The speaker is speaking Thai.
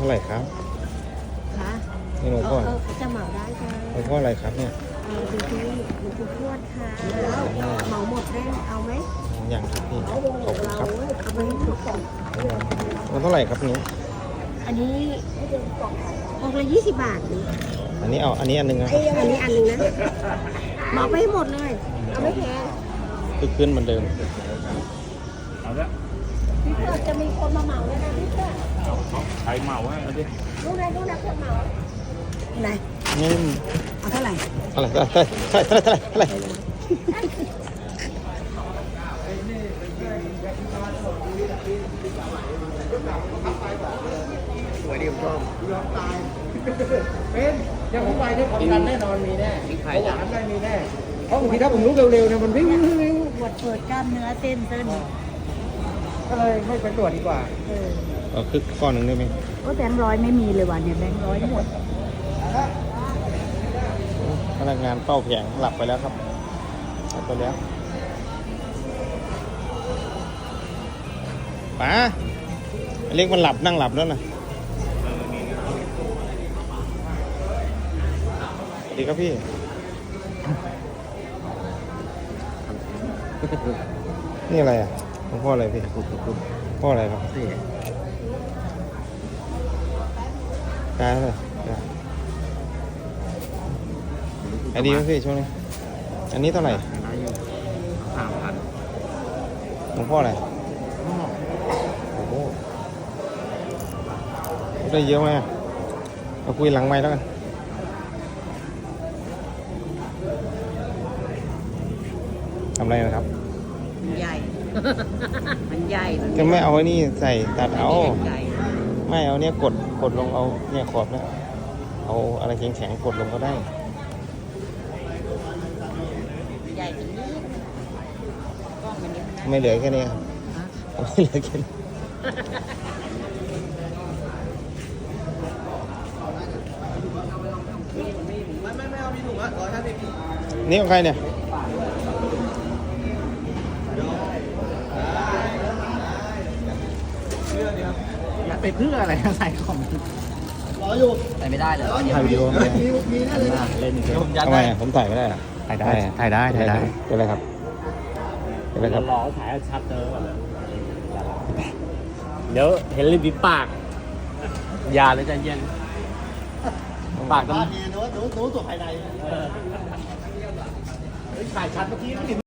าไหร่ครับคะนี่หลวงพ่อจะเหมาได้ค่ะหลวงพ่ออะไรครับเนี่ยดูที่หลวงปู่ทวดค่ะเหมาหมดได้เอาไหมอย่างครับพี่ขอบคุณครับเอาไปทุกกล่องมันเท่าไหร่ครับนี้อันนี้กล่องละ20 บาทอันนี้เอาอันนี้อันนึงนะอันนี้อันนึงนะเหมาไปให้หมดเลยเอาไม่แพงคือขึ้นเหมือนเดิมเอาละพี่เพื่อจะมีคนมาเหมาแล้วนะพี่เพื่อใครเหมาให้เอาดิรู้นะเพื่อเหมาไหนนี่เอาเท่าไหร่เท่าไหร่สวยดีผมชอบเป็นยังผมไปเนี่ยความดันแน่นอนมีแน่เบาหวานได้มีแน่เพราะบางทีถ้าผมลุกเร็วๆเนี่ยมันวิ่งปวดเปิดกล้ามเนื้อเส้นก็เลยไม่ไปตรวจดีกว่าคือก้อนหนึ่งได้ไหมก็แบงค์ร้อยไม่มีเลยวันเนี่ยแบงค์ร้อยหมดพนักงานเฝ้าแผงหลับไปแล้วครับหลับไปแล้วป๋าเล็กมันหลับนั่งหลับแล้วนะสวัสดีครับพี่นี่อะไรอ่ะพ่ออะไรพี่พ่ออะไรครับกายอะไรไอดีไหมพี่ช่วงนี้อันนี้เท่าไหร่ 3,000 หลวงพ่ออะไรโอ้โหได้เยอะไหมเราคุยหลังไมค์แล้วกันทำอะไรนะครับใหญ่มันใหญ่จะไม่เอาไอ้นี่ใส่ตัดเอาไม่เอาเนี่ยกดลงเอาเนี่ยขอบเนี่ยเอาอะไรแข็งๆกดลงก็ได้ใหญ่เป็นนี้กล้องมันนี้ไม่เหลือแค่นี้ครับไม่เหลือแค่นี้ไม่เอามีถุงอ่ะ150 นี่ของใครเนี่ยไปเพื่ออะไรใส่ของรออยู่ใส่ไม่ได้เลยถ่ายวิดีโอมีแน่เลยเล่นเกมทำไมผมถ่ายไม่ได้อะถ่ายได้เป็นไรครับเป็นไรครับรอถ่ายชัดเจอเดี๋ยวเห็นริมฝีปากยาเลยใจเย็นปากต้องหนูตัวภายในถ่ายชัดเมื่อกี้